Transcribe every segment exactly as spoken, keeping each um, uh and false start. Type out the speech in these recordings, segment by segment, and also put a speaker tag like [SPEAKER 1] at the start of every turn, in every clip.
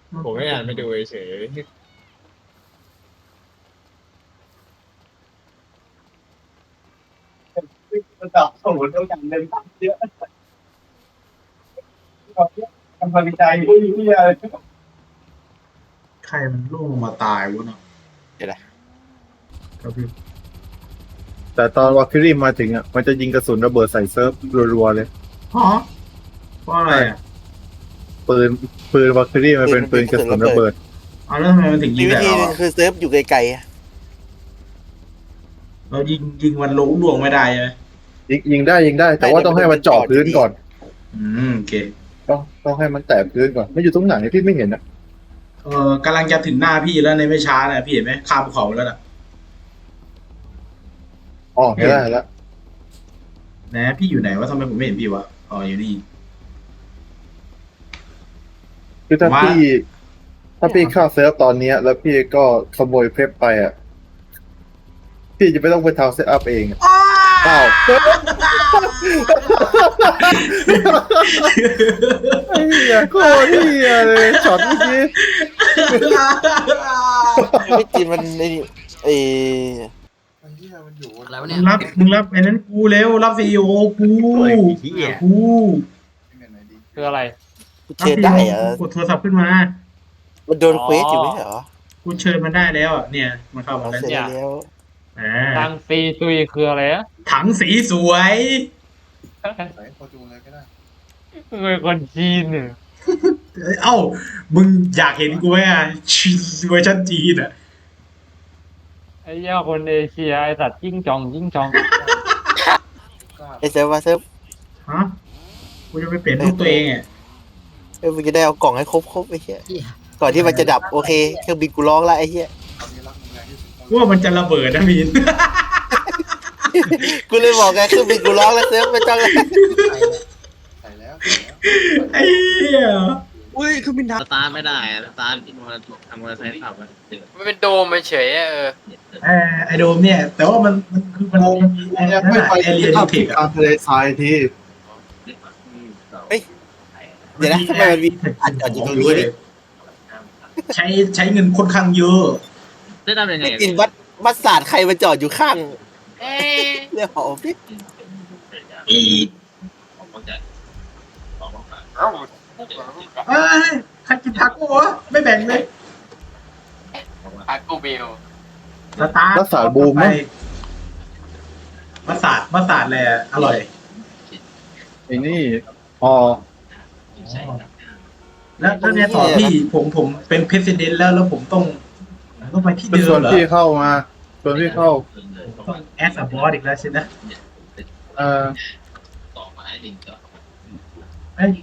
[SPEAKER 1] ผมไม่อ่านไม่ดูเฉย
[SPEAKER 2] ระดับสูงต้องการเดินทางเยอะทำวิจัยที่ที่อะไร
[SPEAKER 3] ใครมันล่วงลงมาตายวะเนาะ
[SPEAKER 4] เดี๋ยวนะ
[SPEAKER 3] ครับพี่
[SPEAKER 5] แต่ตอนวาคิรีมาถึงอ่ะมันจะยิงกระสุนระเบิดใส่เซิร์ฟรัวๆเลย
[SPEAKER 3] ฮะเพราะอะไรอ่ะ
[SPEAKER 5] ปืนปืนวาคิรีมันเป็นปืนกระสุนระเบิด
[SPEAKER 3] เอาแล้วทำไมมันถึงยิ
[SPEAKER 4] มี
[SPEAKER 3] ง
[SPEAKER 4] วิ
[SPEAKER 3] แต่
[SPEAKER 4] ธี
[SPEAKER 3] เรา
[SPEAKER 4] หนึง
[SPEAKER 3] อะ
[SPEAKER 4] คือเซิร์ฟอยู่ไกลๆอะ
[SPEAKER 3] เรายิงยิงมันลงล่วงไม่ได้ใช่ไหม
[SPEAKER 5] ยิงยิงได้ยิงได้ แต่ว่าต้องให้มันเจาะพื้นก่อน
[SPEAKER 3] อืมโอเค
[SPEAKER 5] ต้องต้องให้มันแตะพื้นก่อนไม่อยู่ตรงไหนพี่ไม่เห็นอ่ะ
[SPEAKER 3] เออกำลังจะถึงหน้าพี่แล้วในไม่ช้านะพี่เห็นไหมข้ามภูเขาแล้วน่ะ
[SPEAKER 5] อ๋อเห็นแล้วเห็นแล้ว
[SPEAKER 3] นะพี่อยู่ไหนวะทำไมผมไม่เห็นพี่วะอ๋ออยู่นี่
[SPEAKER 5] คือถ้า
[SPEAKER 3] ว่า
[SPEAKER 5] พี่ ถ้าพี่เข้าเซิร์ฟตอนเนี้ย แล้วพี่ก็ขโมยเพชรไปอ่ะพี่จะไม่ต้องไปทำเซตอัพเองอะเปล่าไอ้เหี้ยโคตรเหี้ยเลยช็อตเมื่อกี้
[SPEAKER 4] ไม่จริงมันไอ้นี่ไอ้
[SPEAKER 6] แล้ว
[SPEAKER 3] มึ
[SPEAKER 6] เนี่ย
[SPEAKER 3] งรับมึงรับไอ้นั้นกูเร็วรับซีโอกูกู
[SPEAKER 1] คืออะไร
[SPEAKER 4] กูเชิญได้เหรอก
[SPEAKER 3] ดโทรศัพท์ขึ้นมา
[SPEAKER 4] มันโดนเควสอยู่ไม่ใช่เหรอ
[SPEAKER 3] กูเชิญมันได้แล้วอะเนี่ยมันเข้ามา
[SPEAKER 4] เอา
[SPEAKER 3] แล้ว
[SPEAKER 4] เสร็จ
[SPEAKER 3] เนี่ย
[SPEAKER 4] แล้ว
[SPEAKER 3] อ่า
[SPEAKER 1] ทางซีซุยคืออะไรอะ
[SPEAKER 3] ถังสีสวย
[SPEAKER 1] เป็นคนจีนเนี่ย
[SPEAKER 3] เอ้ามึงอยากเห็นกูไหมอ่ะชีเวอร์ชันจีนอ่ะ
[SPEAKER 1] ไอ้เหี้ยคนเอเชียไอ้สัตว์จิ้งจองจิ้งจอง
[SPEAKER 4] ไอ้เซิร์ฟว่าเซิร์ฟ
[SPEAKER 3] ฮะกูจะไปเปลี่ยนรูปตัวเองอ่ะ
[SPEAKER 4] เออมึงจะได้เอากล่องให้ครบครบๆไอ้เหี้ยก่อนที่มันจะดับโอเคเครื่องบินกูร้องแล้วไอ้เหี้ย
[SPEAKER 3] กูว่ามันจะระเบิดนะมีน
[SPEAKER 4] กูเลยบอกไงเครื่องบินกูร้องแล้วเซิร์ฟไม่ต้องแล้ว
[SPEAKER 3] ไอ้เหี้ย
[SPEAKER 4] อุ้ยเครื่องบินดับ
[SPEAKER 6] สตาร์ทไม่ได้อะสตาร์ทมอเตอร์ทำมอเตอร์ไซค์ขับอะ
[SPEAKER 1] มันเป็นโดมเฉยเออ
[SPEAKER 3] เออไอโดมเนี่ย แต่ว่ามันมันคือมันมันมีไอ้นั่น
[SPEAKER 5] ไม่
[SPEAKER 3] อะ
[SPEAKER 5] ไป
[SPEAKER 3] เอเลียน
[SPEAKER 5] ที่
[SPEAKER 3] เทค
[SPEAKER 5] กลา
[SPEAKER 3] อะ
[SPEAKER 5] งทะเลทรายที
[SPEAKER 4] เดี๋ยวนะทำไมมันมีอัดจอดอยู่ตรงนี้ดิ
[SPEAKER 3] ใช้ใช้เงินค่อนข้างเยอะ
[SPEAKER 6] ได้ทำยังไง
[SPEAKER 4] ไม่กินวัดวัดศาสตร์ใครมาจอดอยู่ข้างเรื่องหอพี่
[SPEAKER 3] อี
[SPEAKER 6] เอ้า
[SPEAKER 3] เอ้ยใครกินทาโก้วะไม่แบ่งเลย
[SPEAKER 1] อากูเบล
[SPEAKER 3] สตาร์ท
[SPEAKER 5] รักษาบูมมั้ง
[SPEAKER 3] มัสตาร์ดมัสตาร์ดเลยอะอร่อย
[SPEAKER 5] ไอ้นี่อ๋อ
[SPEAKER 3] แล้วแล้วเนี่ยต่อพี่ผมผมเป็นเพรสิดเนนต์แล้วแล้วผมต้องต้องไปที่
[SPEAKER 5] เป็น
[SPEAKER 3] เดิ
[SPEAKER 5] ส่ว
[SPEAKER 3] ม
[SPEAKER 5] น
[SPEAKER 3] เหรอ
[SPEAKER 5] ที่เข้ามาส่วนที่เข้า
[SPEAKER 3] ต้องแอสบอสอีกแล้วใช่ไหม
[SPEAKER 5] เออ
[SPEAKER 3] เอ้ย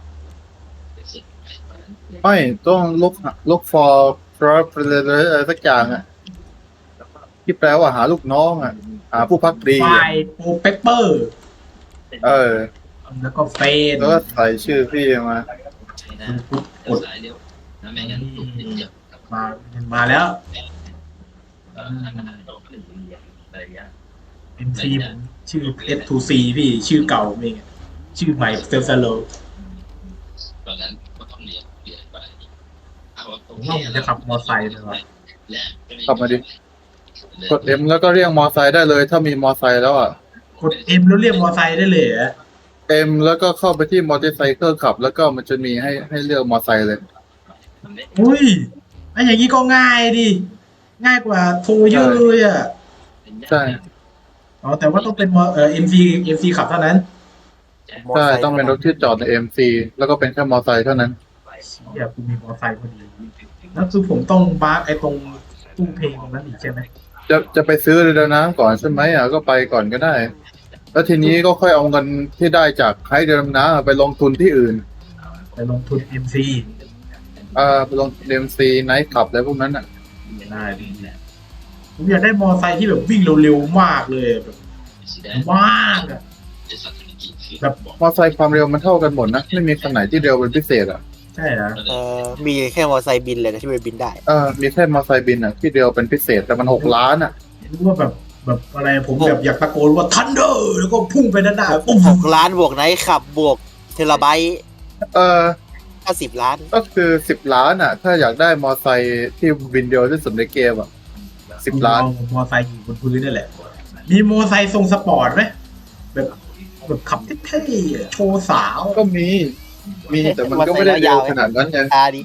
[SPEAKER 5] ไม่ต้องลุกลุก for for อะไรสักอย่างอ่ะที่แปลว่าหาลูกน้องอ่ะ หาผู้พักดี
[SPEAKER 3] ไฟ
[SPEAKER 5] อะ
[SPEAKER 3] โปรเปเปอร์
[SPEAKER 5] เออ
[SPEAKER 3] แล้วก็เฟน
[SPEAKER 5] แล้วก็ใส่ชื่อพี่มา
[SPEAKER 3] กดมามาแล้ว เอ็ม ซี ผมชื่อ เอส ทู ซี พี่ชื่อเก่าผมเองอะชื่อใหม่เซลซาโลผมว่าผมจะขับมอไซค์เลยว่ะ
[SPEAKER 5] ขับมาดิกด M แล้วก็เรียกมอไซค์ได้เลย ถ้ามีมอไซค์แล้วอ่ะ
[SPEAKER 3] กด M แล้วเรียกมอไซค์ได้เลยเหรอ
[SPEAKER 5] M แล้วก็เข้าไปที่มอเตอร์ไซค์ขับ แล้วก็มันจะมีให้ให้เลือกมอไซค์เลย
[SPEAKER 3] อุ้ยไอ้อย่างนี้ก็ง่ายดิ ง่ายกว่าโทรเยอะเลยอ่ะ
[SPEAKER 5] ใช่
[SPEAKER 3] อ๋อแต่ว่าต้องเป็นมอเอ่อ เอ็ม ซี เอ็ม ซี ขับเท่านั้น
[SPEAKER 5] ใช่ต้องเป็นรถที่จอดใน เอ็ม ซี แล้วก็เป็นแค่มอไซค์เท่านั้น
[SPEAKER 3] เชี่ยกูมีมอไซค์พอดีแล้วคือผมต้องบาร์กไอ้ตรงตู้เพลงตรงนั้นอีกใช่ไหม
[SPEAKER 5] จะจะไปซื้อเรือน้ำก่อนใช่ไหมอ่ะก็ไปก่อนก็ได้ แล้วทีนี้ก็ค่อยเอาเงินที่ได้จากไฮเรือน้ำไปลงทุนที่อื่น
[SPEAKER 3] ไปลงทุน เอ็ม ซี
[SPEAKER 5] อ่าไปลง เอ็ม ซี ไนท์คลับอะไรพวกนั้นอ่ะ
[SPEAKER 3] ได้ดีผมอยากได้มอไซค์ที่แบบวิ่งเร็วๆมากเลยแบบมากอะแบบ
[SPEAKER 5] มอไซค์ความเร็วมันเท่ากันหมดนะ ไม่มีคันไหนที่เร็วเป็นพิเศษอ่ะ
[SPEAKER 3] ใช่เหรอ
[SPEAKER 4] เออมีแค่มอไซค์บินเลยนะที่ไปบินได้
[SPEAKER 5] เออมีแค่มอไซค์บินอ่ะที่เร็วเป็นพิเศษแต่มันหกล้านอ่ะ
[SPEAKER 3] รู้ว่าแบบแบบอะไรผมแบบอยากตะโกนว่าทันเดอร์แล้วก็พุ่งไปด้านหน้าปุ๊บ
[SPEAKER 4] หกล้านบวกไนท์ขับบวกเทราไบต์
[SPEAKER 5] เออ
[SPEAKER 4] ก็สิบล้าน
[SPEAKER 5] ก็คือสิบล้านอ่ะ ถ้าอยากได้มอไซค์ที่วินเดียวที่สุดในเกมอ่ะสิบล้าน
[SPEAKER 3] มอไซค์อยู่บนพื้นนี่แหละมีมอไซค์ทรงสปอร์ตไหมแบบแบบขับเท่ๆโชว์สาว
[SPEAKER 5] ก็มี มีแต่มันก็ไม่ได้เร็วขนาดนั้นไง
[SPEAKER 4] ตาดิ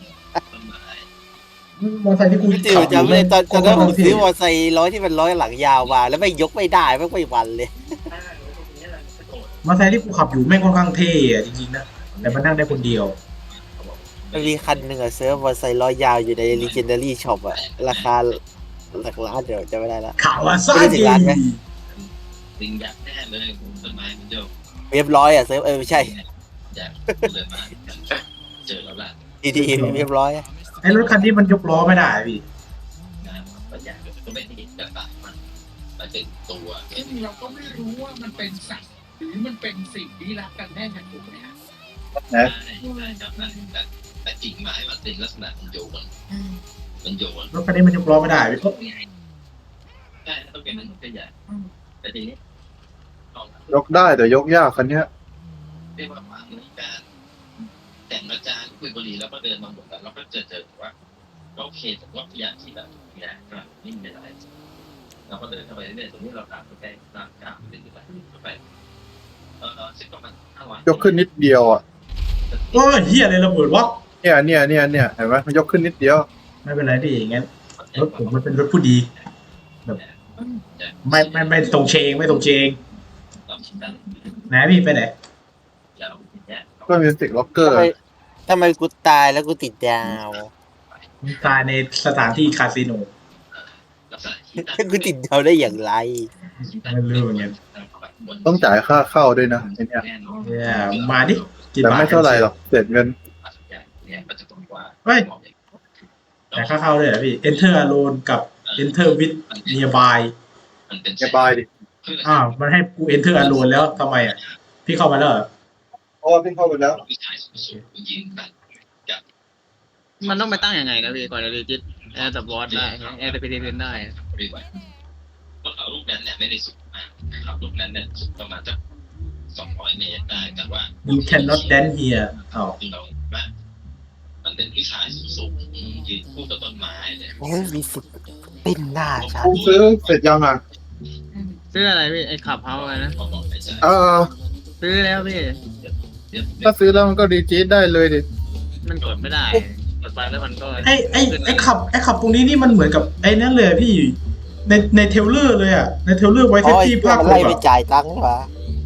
[SPEAKER 3] มอไซค์ที่กู
[SPEAKER 4] พี่ติ๋วจำเลยตอนตอนนั้นผมซื้อมอไซค์ร้อยที่มันร้อยหลังยาวมาแล้วไม่ยกไม่ได้ไม่ไม่วันเลย
[SPEAKER 3] มอไซค์ที่กูขับอยู่แม่งค่อนข้างเท่อะจริงๆนะแต่มันนั่งได้คนเดียว
[SPEAKER 4] มันมีคันหนึ่งอะเซิร์ฟมอไซค์ร้อยยาวอยู่ใน Legendary Shop อะราคาหลักล้านเดี๋ยวจะไม่ได้ละ
[SPEAKER 3] ขาวาซา
[SPEAKER 4] ไม่ได้ถึ
[SPEAKER 3] กิ
[SPEAKER 4] งล้านไหม
[SPEAKER 6] ลิงอยากแน่เลยต้นไม้มันโยก
[SPEAKER 4] เรียบร้อยอะเซิร์ฟเออไม่ใช่
[SPEAKER 6] อยากเลยมาเจอแล้วล่ะ
[SPEAKER 4] ดีดีเรียบร้อยอะ
[SPEAKER 3] ไอ้รถคันนี้มันยกล้อไม่ได้พี่
[SPEAKER 6] นะก็อยากก็ไม่ได้จะตัดมันมันเป็นตัว
[SPEAKER 7] ซึ่งเราก็ไม่รู้ว่ามันเป็นสัตว์หรือมันเป็นสิ่งลี้ลับกันแน่ถูกไหมฮะ
[SPEAKER 6] ใช่ใช่ครับแต่แต่กิ่งไม้มันเป็นลักษณะมันโยนมันโยน
[SPEAKER 3] รถคันนี้มันยกล้อไม่ได้พี่
[SPEAKER 6] ใช่ต้องเป็นมันก็ใหญ่แต่ทีนี้
[SPEAKER 5] ยกได้แต่ยกยากคันเนี้ย
[SPEAKER 6] เรียกว่าหวังในการแต่งอาจารย์คุยบุหรี่แล้วก็เดินมาหมดแล้วเราก็เจอเจอว่าโอเคผมว่าพยายามที่แบบเนี่ยก็นิ่งไปอะไรเราก็เดินเข้าไปเรื่อยๆตรงนี้เราตามไปใกล้ตามกลางไปเรื่อยๆไปเออซึ่งประมาณห้าร้อย
[SPEAKER 5] ยกขึ้นนิดเดียวอ่ะ
[SPEAKER 3] โอ้ยเฮียอะไรระเบิดวะ
[SPEAKER 5] เนี่ยเนี่ยเนี่ยเนี่ยเห็นไหมมันยกขึ้นนิดเดียว
[SPEAKER 3] ไม่เป็นไรพี่งั้นรถผมมันเป็นรถผู้ดีแบบไม่ไม่ไม่ตรงเชงไม่ตรงเชงไหนพี่ไปไหน
[SPEAKER 5] ก็มิวสิกล็อกเกอ
[SPEAKER 4] ทำ
[SPEAKER 5] ร์
[SPEAKER 4] ไมทำไมกูตายแล้วกูติดดาว
[SPEAKER 3] ตายในสถานที่คาสิโน
[SPEAKER 4] กูติดดาวได้อย่างไร
[SPEAKER 3] ไม่รู้เหมือนกัน
[SPEAKER 5] ต้องจ่ายค่าเข้าด้วยนะไอเนี่ย
[SPEAKER 3] เนี่ยมาดิกี่
[SPEAKER 5] แต่
[SPEAKER 3] บาท
[SPEAKER 5] ไม่เท่าไหร่หรอกเสร็จเงิน
[SPEAKER 3] เฮ้ยแต่ค่าเข้าเลยเหรอพี่ enter alone กับ enter with nearby
[SPEAKER 5] แกบายดิ
[SPEAKER 3] อ้าวมันให้กู enter alone แล้วทำไมอ่ะพี่เข้ามาแล้วเหรอ
[SPEAKER 5] เพราะว่าพี่เข้าไปแล้ว
[SPEAKER 6] มันต้องไปตั้งยังไงนะพี่ก่อนจะรีจิตแอร์ตับบอสได้แอร์ไปเรียนได้รถเอาลูกนั้นเนี่ยไม่ได้สูงมากครับลูกนั้นเนี่ยประมาณสักสองร้อยเมตรได้แต่ว่า
[SPEAKER 3] you cannot dance here อ้าว
[SPEAKER 6] เราว่ามันเป็นวิชาสูงยืนคู่กับต้นไม้เลย
[SPEAKER 4] โอ้ยมีสิทธิ์เป็นหน้าฉัน
[SPEAKER 5] กูซื้อเสร็จยังอ่ะ
[SPEAKER 6] ซื้ออะไรพี่ไอ้ขับเฮาอะไรนะ
[SPEAKER 5] เออ
[SPEAKER 6] ซื้อแล้วพี่
[SPEAKER 5] ถ้าซื้อแล้วมันก็ดีจีดได้เลยดิ
[SPEAKER 6] มันกดไม่ได้กดไปแล้วมันก็
[SPEAKER 3] ไอ้ไอ้ไอ้ขับไอ้ขับตรงนี้นี่มันเหมือนกับไอ้นั่นเลยอะพี่ในในเทรลเลอร์เลยอ่ะในเทรลเลอร์ไว้
[SPEAKER 4] โอ้
[SPEAKER 3] ที่
[SPEAKER 4] ย
[SPEAKER 3] ที่
[SPEAKER 4] เพื่อ
[SPEAKER 3] ภาค
[SPEAKER 4] มัน
[SPEAKER 3] ห
[SPEAKER 4] ไล่
[SPEAKER 3] ก
[SPEAKER 4] ไป
[SPEAKER 3] อะ
[SPEAKER 4] จ่ายตังค์วะ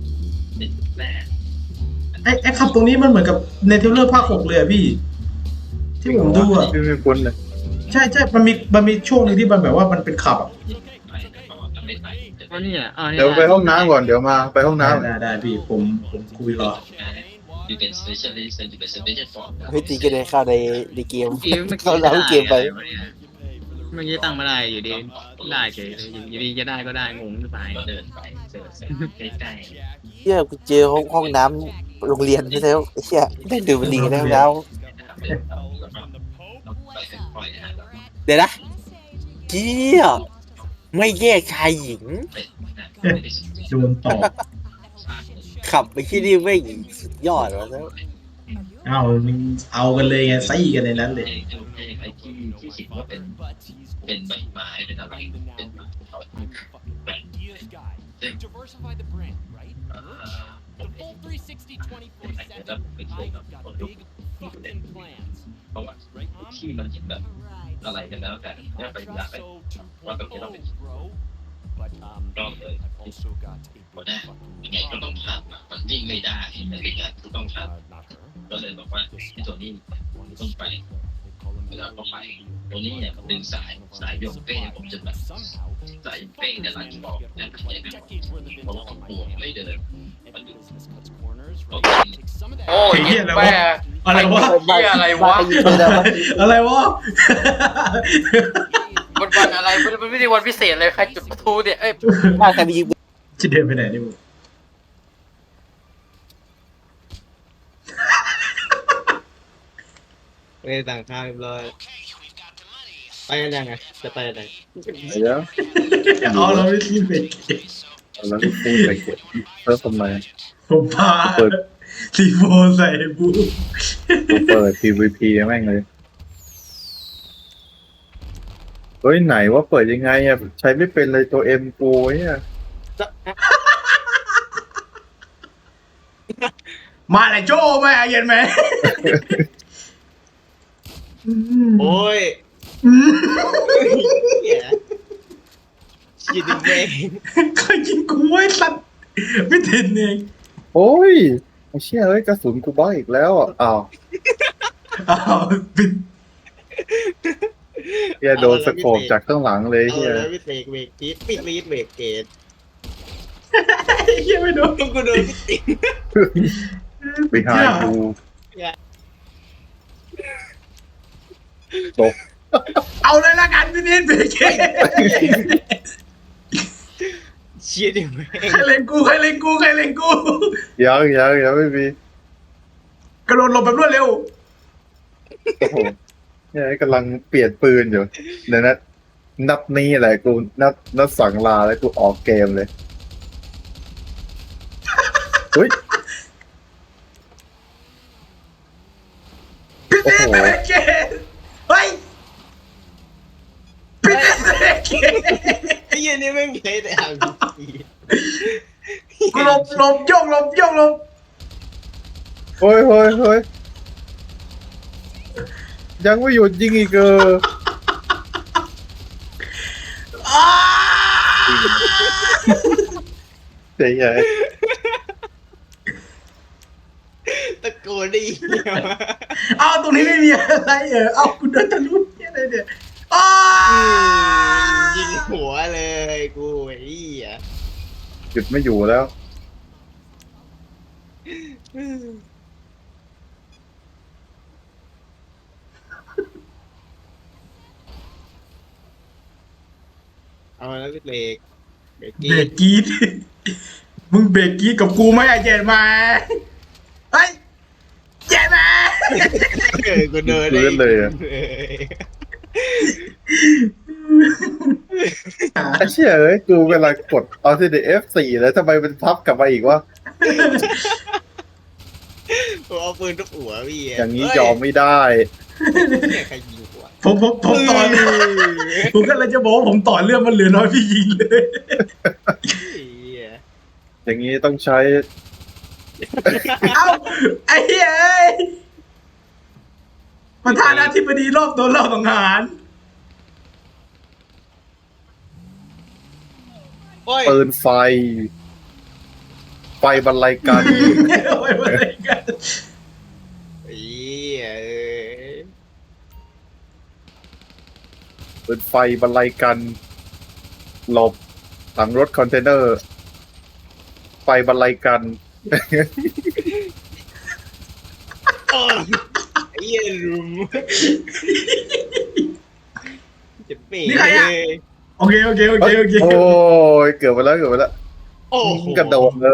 [SPEAKER 3] ไอ้ไอ้ขับตรงนี้มันเหมือนกับในเทรลเลอร์ภาคหกเลยอะพี่ ที่ผมดูอ่ะ
[SPEAKER 5] พี่ไม่คุ้นเลย
[SPEAKER 3] ใช่ใช่มันมีมันมีช่วงหนึงที่มันแบบว่ามันเป็นขับอ่ะ
[SPEAKER 6] ก็นี่อ่ะ
[SPEAKER 5] เดี๋ยวไปห้องน้ำก่อนเดี๋ยวมาไปห้องน้ำ
[SPEAKER 3] ได้ได้พี่ผมผมคุยรอ
[SPEAKER 6] อยู่เป็น specialist อยู่เป็น specialist for
[SPEAKER 4] เฮ้ยตีก็เดินเข้าในในเกม
[SPEAKER 6] เมื่อกี้เมื่อ
[SPEAKER 4] เข้า
[SPEAKER 6] กี้
[SPEAKER 4] แล้วเกมไป
[SPEAKER 6] เมื่อกี้ตั้งไม่ได้อยู่ดีได้เฉยอยู่ดีจะได้ก็ได้งงหรือเปล่าเดินไปเจอใกล้
[SPEAKER 4] เฮียกูเจอห้องห้องน้ำโรงเรียนไม่ใช่เหรอไอ้เฮียได้ดูมันดีกันแล้ว เดี๋ยวนะเฮียไม่แยกชายหญิง
[SPEAKER 3] โดนตอบ
[SPEAKER 4] ขับไปที่นี่ไม่สุดยอดวะแล้ว
[SPEAKER 3] เอามึงเอากันเลยไงไส้กันในนั้นเลย
[SPEAKER 6] ไอ้ที่ที่คิดว่าเป็นเป็นใบไม้เป็นอะไรเป็นเขาแบ่งแล้วไปเที่ยวกับคนยุคเพราะว่าที่มันคิดแบบอะไรกันแล้วแต่เนี่ยไปอยากไปว่าแบบนี้เราเป็นรอบเลยหมดแน่ยังไงก็ต้องทำมันวิ่งไม่ได้แต่ยังไงก็ต้องทำก็เลยบอกว่าตัวนี้ต้องไปแล้วก็ไปตัวนี้เนี่ยดึงสายสายโยงเป้ผมจะแบบสายเป้เนี่ยหลังบอกเนี่ยไม่ใช่เพราะว่าผมปวดไม่เดินมันดึง
[SPEAKER 7] โอ้ย
[SPEAKER 3] เหี้ยอะไรวะ
[SPEAKER 7] แม่
[SPEAKER 3] อะไรวะ
[SPEAKER 7] เหี้ยอะไรวะ
[SPEAKER 3] อะไรวะ
[SPEAKER 7] วันวันอะไรมันมันไม่ได้วันพิเศษเลยใครจุดประตูเนี่ยเอ้ย
[SPEAKER 4] บ้านใครไปยิง
[SPEAKER 3] จะเดินไปไหนดิมึง
[SPEAKER 8] ไปต่างข้าวเรียบร้อยไปกันยังไงจะไปไหน
[SPEAKER 5] เดี๋ยว
[SPEAKER 3] เอาเราไม่รีบไป
[SPEAKER 5] แล้วรีบไปเก็บเพิ่มทำไม
[SPEAKER 3] ผมพา
[SPEAKER 5] เปิด
[SPEAKER 3] ซีโฟใส่บู
[SPEAKER 5] กูเปิด พี วี พี แม่งเลยเฮ้ยไหนว่าเปิดยังไงอ่ะใช้ไม่เป็นเลยตัวเอ็มกูเนี่ย
[SPEAKER 3] มาเลยโจ้ไหมเย็นไหม
[SPEAKER 8] โอ้ย
[SPEAKER 3] อืม
[SPEAKER 8] เหี้ยชิดเอง
[SPEAKER 3] เคยยิงกูไว้สัตว์ไม่ทินเอง
[SPEAKER 5] โอ้ยไอ้เชี่ยเอ้ยกระสุนกูบ้าอีกแล้วอ่ะอ้าว
[SPEAKER 3] อ้าวปิด
[SPEAKER 5] เฮียโดนสโคปจากข้างหลังเลย
[SPEAKER 8] เอา
[SPEAKER 5] เฮีย
[SPEAKER 8] แล้ววิเบรกเบรกกีดปิดลีดเบรกเกต
[SPEAKER 3] เฮียไม่โดน
[SPEAKER 8] ต้องกูโดนพี่ติ๊ก
[SPEAKER 5] ไปหากูตก
[SPEAKER 3] เอาเลยละกันพี่นิดเบรกเกต
[SPEAKER 8] เชียดิแม่ง
[SPEAKER 3] ใครเล่นกูใครเล่นกูใครเล่นกู
[SPEAKER 5] ยังยังยังไม่มี
[SPEAKER 3] กระโดดหลบแบบรวดเร็ว
[SPEAKER 5] โอ้โหเนี่ยกำลังเปลี่ยนปืนอยู่เดี๋ยวนะนับนี้แหละกูนับนับสั่งลาแล้วกูออกเกมเลยเฮ้ย
[SPEAKER 3] พี่นิดเบรกเกตเฮ้ยพี่นิดเบรกเกต
[SPEAKER 8] ไอ้เหี้ยนี่แม่งเพลย์แต่อาร์พี
[SPEAKER 3] กูหลบหลบโยกหลบโยกหลบ
[SPEAKER 5] เฮ้ยเฮ้ยเฮ้ยยังไม่หยุดยิงอีกเออ
[SPEAKER 3] อ้า
[SPEAKER 5] เจ๋งใหญ่
[SPEAKER 8] ตะโกนได้เหี้ย
[SPEAKER 3] เอาตรงนี้ไม่มีอะไรเออเอากูเดินทะลุเนี่ยอะไรเนี่ยอ้า
[SPEAKER 8] ยิงหัวเลยกูไอ้เหี้ย
[SPEAKER 5] หยุดไม่อยู่แล้ว
[SPEAKER 8] เอาแล้วเบรกเบรก
[SPEAKER 3] เบ
[SPEAKER 8] กี
[SPEAKER 3] ร
[SPEAKER 8] ด
[SPEAKER 3] กกรีดมึงเบรกกรีดกับกูไหมไอ้เจนมาเฮ้ยเจนมา
[SPEAKER 8] เออกูเดิน
[SPEAKER 5] พื้นเลยอะ ไอ้เชี่ยเอ้ยกูเวลากดเอาที่เอฟสี่แล้วทำไมมันพับกลับมาอีกวะ
[SPEAKER 8] กูเอาปืนทุบหัวพี่
[SPEAKER 5] อย่างนี้ยอมไม่ได้
[SPEAKER 8] เนี่ยใครยิงหัว
[SPEAKER 3] ผมผมผมต่อผมก็เลยจะบอกว่าผมต่อเรื่องมันเหลือน้อยพี่ยิงเลย
[SPEAKER 8] เหี้ย
[SPEAKER 5] อย่างนี้ต้องใช้
[SPEAKER 3] เอ้าไอ้เฮ้ยประธานาธิบดีรอบตัวรอบสังหาร
[SPEAKER 8] โอ้ย
[SPEAKER 5] ปืนไฟ ไฟบรรลัยกัน
[SPEAKER 3] เอาไว้อะไรกัน
[SPEAKER 8] เหี้ยเอ้ย
[SPEAKER 5] ปืนไฟบรรลัยกัน หลบหลังรถคอนเทนเนอร์ ไฟบรรลัยกัน
[SPEAKER 8] อ้าวไอ้เหี้ยลุมจะเป๋เลย
[SPEAKER 3] โอเคโอเคโอเคโอเค
[SPEAKER 5] โอ้ยเกือบไปแล้วเกือบไปแล้ว
[SPEAKER 8] โอ้โห
[SPEAKER 5] กระโดดเลย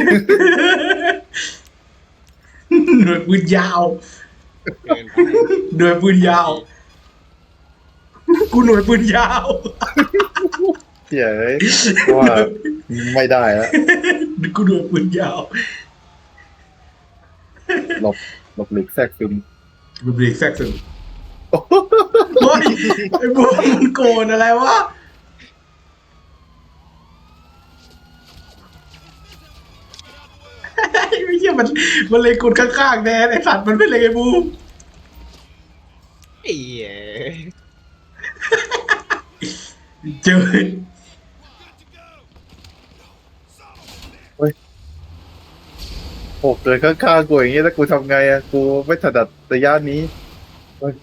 [SPEAKER 3] หน่วยปืนยาว
[SPEAKER 8] เกินไป
[SPEAKER 3] หน่วยปืนยาว กูหน่วยปืนยาว
[SPEAKER 5] เหี้ยเอ้ยว่าไม่ได้แล้ว
[SPEAKER 3] กูหน่วยปืนยาว
[SPEAKER 5] หลบหลบหลีกแทรกซึม
[SPEAKER 3] กูเบรกแทรกซึมเฮ้ยไอ้บัวมันโกนอะไรวะไม่ใช่มันมันเลยกดข้างๆแน่ไอ้สัตว์มันไม่เลยไอ้บูม
[SPEAKER 8] ไอ้เหี้ย
[SPEAKER 3] เจอ
[SPEAKER 5] โอ้เกิดข้างๆกูอย่างงี้แล้วกูทำไงอะกูไม่ถนัดระยะนี้เฮ้ย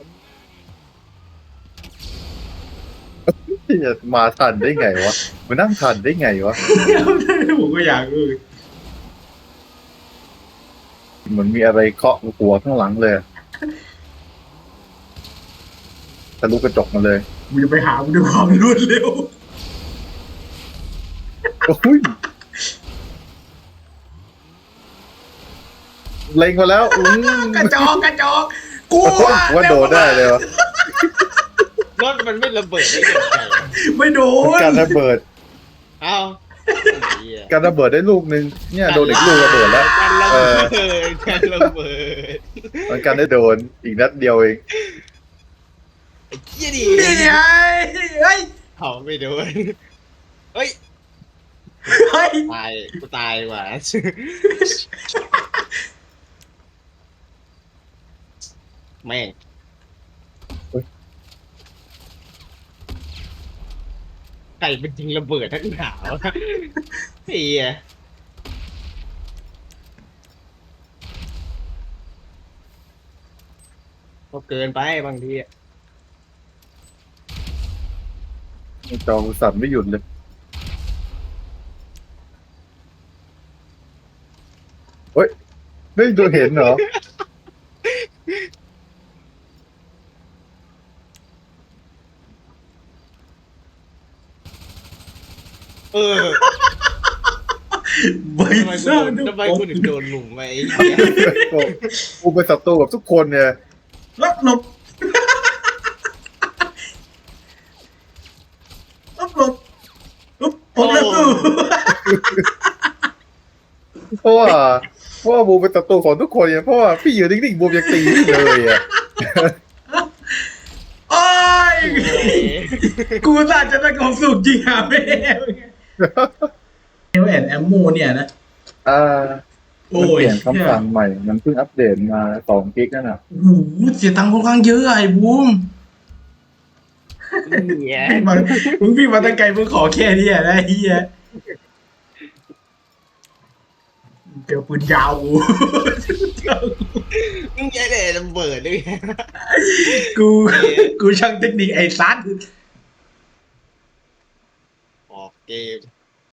[SPEAKER 5] เหี้ยมาทันได้ไงวะมานั่งทันได้ไงวะ
[SPEAKER 3] ผมก็อยากรู้
[SPEAKER 5] เหมือนมีอะไรเคาะหัวข้างหลังเลยอะทะลุกระจกมาเลย
[SPEAKER 3] มึงจะไปหามึงด้วยความรวดเร็ว
[SPEAKER 5] โอ้ยเล็งมาแล้วอืม
[SPEAKER 3] กระจอกกระจอกกู
[SPEAKER 5] ว่าโดนได้เลยวะ
[SPEAKER 8] รถมันไม่ระเบิดได้ยังไง
[SPEAKER 3] ไม่โดน
[SPEAKER 5] การระเบิด
[SPEAKER 8] เอ้าไอ้เหี้ย
[SPEAKER 5] การระเบิดได้ลูกนึงเนี่ยโดนอีกลูกระเบิดแล้ว
[SPEAKER 8] กันระ
[SPEAKER 5] เอ
[SPEAKER 8] เบิ
[SPEAKER 5] อ
[SPEAKER 8] ดกันระเบิด
[SPEAKER 5] มันกันได้โดนอีกนัดเดียวเอง
[SPEAKER 8] ไอ้เหี้ยดิ
[SPEAKER 3] นี่ไงเฮ้ย
[SPEAKER 8] เขาไม่โดนเฮ้ย
[SPEAKER 3] เฮ้ย
[SPEAKER 8] ตายกูตายว่ะแม่งไก่เป็นจริงระเบิดทั้งหนาวเฮียก็เกินไปบางทีอะ
[SPEAKER 5] จอสั่นไม่หยุดเลยเฮ้ยไม่ดูเห็นเหรอ
[SPEAKER 8] เออ
[SPEAKER 3] ไม่
[SPEAKER 8] ทำไม
[SPEAKER 3] ท
[SPEAKER 8] กู
[SPEAKER 3] รา
[SPEAKER 8] โด
[SPEAKER 3] บ
[SPEAKER 8] นทำไมกูถึงโดนหลุมไปไอ้เหี้ย
[SPEAKER 5] กูเป็นศัตรูกับทุกคนเนี่ย
[SPEAKER 3] รับหลบรับหลบอุ๊บผมรับสู้
[SPEAKER 5] เพราะว่าเพราะว่าบูมเป็นศัตรูของทุกคนเนี่ยเพราะว่าพี่อยู่นิ่งๆบูมยังตีพี่เลยอ่ะ
[SPEAKER 3] โอ้ยกูน่าจะได้ของสูบจริงอ่ะแม่เอลแอนแอมโมเนี่ยนะ
[SPEAKER 5] อ่า
[SPEAKER 3] โอ้
[SPEAKER 5] มันเป
[SPEAKER 3] ย
[SPEAKER 5] ลี่ยนคำสั่งใหม่มันเพิ่งอัปเดตมาสองกิกนั่นน่ะ
[SPEAKER 3] โอ้โหเสียตังค์ค่อนข้างเยอะไอ้บูม
[SPEAKER 8] เหี้ย
[SPEAKER 3] พี่มามึงพี่มาตั้งไกลมึงขอแค่นี้อ่ะนะไอ้เฮียเจอปืนยาวกู
[SPEAKER 8] มึงแย่เลยระเบิดด้วย
[SPEAKER 3] กูกูช่างเทคนิคไอ้ซัด
[SPEAKER 8] ออกเกม